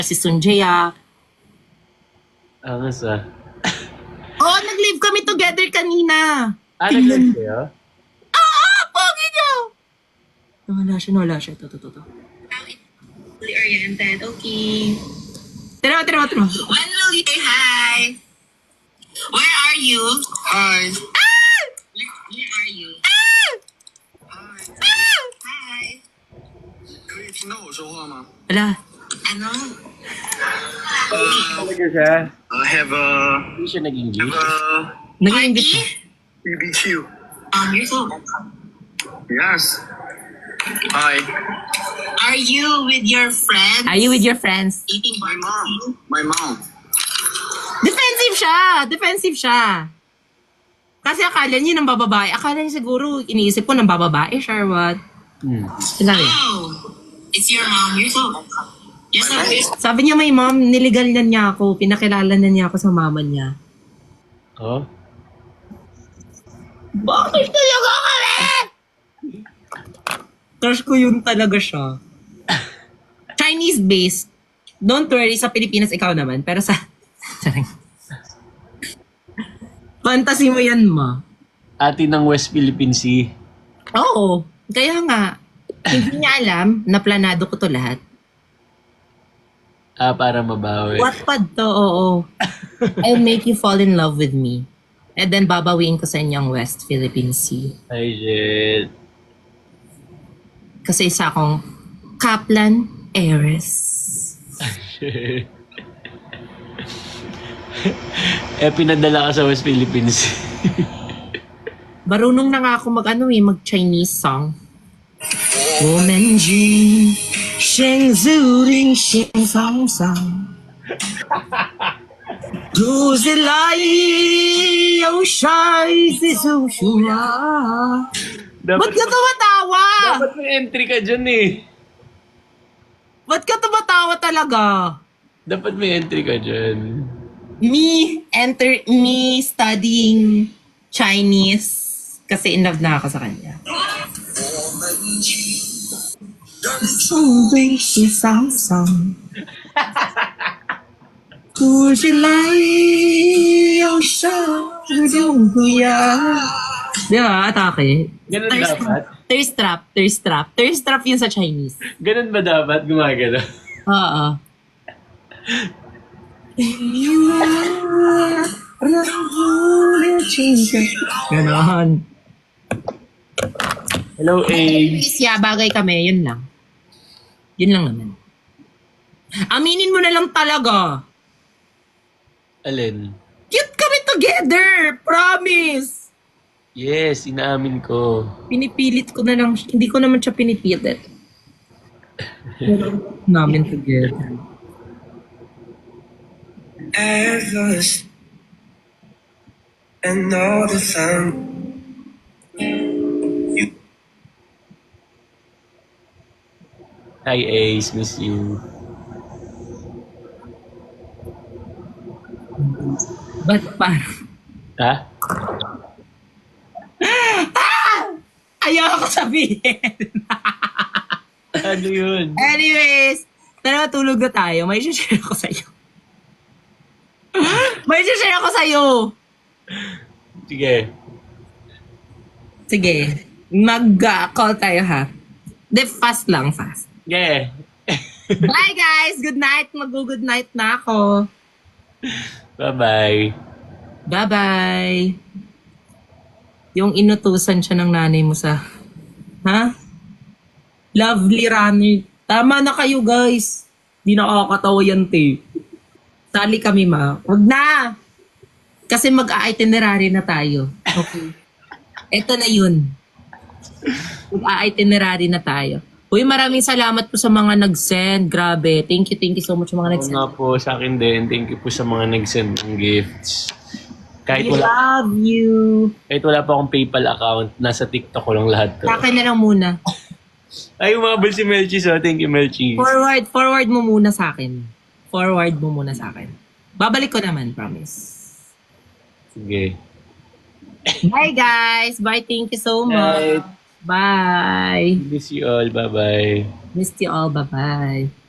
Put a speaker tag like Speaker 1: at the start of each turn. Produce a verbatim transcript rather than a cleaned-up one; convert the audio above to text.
Speaker 1: si Sunjaya.
Speaker 2: Angas ah.
Speaker 1: Oo, nag-live kami together kanina.
Speaker 2: Ah,
Speaker 1: Tingnan-
Speaker 2: nag-live kayo?
Speaker 1: Ah, pogi niyo! Nawala siya, nawala siya. Ito, ito, ito, ito.
Speaker 3: Fully oriented. Okay.
Speaker 1: Tira, tira, tira.
Speaker 3: When will you say hi? Where are you?
Speaker 4: Hi.
Speaker 3: Where, where are you? Hi.
Speaker 4: 可以听到我说话吗
Speaker 1: Wala.
Speaker 3: Ano?
Speaker 4: Uh,
Speaker 2: Talaga siya?
Speaker 4: I have a
Speaker 2: Hindi siya nag-English.
Speaker 4: uh,
Speaker 1: Nag-iingit siya.
Speaker 4: B B Q.
Speaker 3: Um, you're so welcome.
Speaker 4: Yes. Hi.
Speaker 3: Are you with your friends?
Speaker 1: Are you with your friends?
Speaker 3: Eating
Speaker 4: My
Speaker 3: barbecue?
Speaker 4: mom. My mom.
Speaker 1: Defensive siya! Defensive siya. Kasi akala niya ng bababae. Akala niya siguro, iniisip ko ng bababae siya or what.
Speaker 2: Hmm.
Speaker 1: Sinabi.
Speaker 3: Oh, it's your mom. You're so welcome. You're so you're so-
Speaker 1: Sabi niya, may mom, niligal na niya ako. Pinakilala na niya ako sa mama niya.
Speaker 2: Oh?
Speaker 1: Bakit talaga kami? Crush ko yun talaga siya. Chinese-based. Don't worry, sa Pilipinas ikaw naman. Pero sa... Fantasy mo yan, ma.
Speaker 2: Ati ng West Philippine Sea.
Speaker 1: Oo. Kaya nga, hindi niya alam na planado ko to lahat.
Speaker 2: Ah, para mabawi.
Speaker 1: Wattpad to, oo. I'll make you fall in love with me. And then babawiin ko sa inyo ang West Philippine Sea.
Speaker 2: Ay, shit.
Speaker 1: Kasi isa akong Kaplan Heiress.
Speaker 2: Eh, pinadala ka sa West Philippine Sea.
Speaker 1: Marunong na nga ako mag ano eh, mag Chinese song. Woman Jin, Sheng Zuring, Sheng Song Song. Du Zilai, Yao Shai, Zizu Shua. Ba't ka tumatawa?
Speaker 2: Dapat may entry ka dyan eh.
Speaker 1: Ba't ka tumatawa talaga?
Speaker 2: Dapat may entry ka dyan.
Speaker 1: Me, enter, me studying Chinese kasi in love na ako sa kanya. Di ba? Atake.
Speaker 2: Ganun
Speaker 1: Thirst
Speaker 2: dapat?
Speaker 1: Thirst trap, thirst trap. Thirst trap yun sa Chinese.
Speaker 2: Ganun ba dapat gumagano?
Speaker 1: Oo. Ganon.
Speaker 2: Hello, A.
Speaker 1: Anyways, yeah, bagay kami. Yun lang. Yun lang naman. Aminin mo na lang talaga.
Speaker 2: Alin?
Speaker 1: Cute kami together. Promise.
Speaker 2: Yes, inaamin ko.
Speaker 1: Pinipilit ko na lang. Hindi ko naman siya pinipilit. Pero namin together.
Speaker 5: Endless and all the time.
Speaker 2: Hi, Ace. Miss you.
Speaker 1: Ba't parang...
Speaker 2: Ha?
Speaker 1: Ayaw ko sabihin.
Speaker 2: Ano yun?
Speaker 1: Anyways, tara tulog na tayo. May share ako sa'yo. May share ako sa'yo.
Speaker 2: Sige.
Speaker 1: Sige. Mag-call tayo ha. De, fast lang, fast.
Speaker 2: Sige.
Speaker 1: Bye guys! Good night! Mag-good night na ako.
Speaker 2: Bye-bye.
Speaker 1: Bye-bye! Yung inutusan siya ng nanay mo sa... Ha? Lovely runner. Tama na kayo guys. Di nakakatawa yan, te. Sali kami, ma. Huwag na! Kasi mag-a-itinerary na tayo. Okay. Ito na yun. Mag-a-itinerary na tayo. Uy, maraming salamat po sa mga nag-send. Grabe. Thank you, thank you so much sa mga
Speaker 2: Oo
Speaker 1: nag-send.
Speaker 2: nga po, sa akin din. Thank you po sa mga nag-send ng gifts. Kahit
Speaker 1: We
Speaker 2: wala,
Speaker 1: love you.
Speaker 2: kahit wala pa akong PayPal account, nasa TikTok ko lang lahat to.
Speaker 1: Sa akin na lang muna.
Speaker 2: Ay, umabol si Melchis, oh. Thank you, Melchis.
Speaker 1: Forward, forward mo muna sa akin. Forward mo muna sa akin. Babalik ko naman, promise.
Speaker 2: Sige.
Speaker 1: Bye guys. Bye. Thank you so much.
Speaker 2: Bye.
Speaker 1: Bye.
Speaker 2: Miss you all. Bye-bye.
Speaker 1: Missed you all. Bye-bye.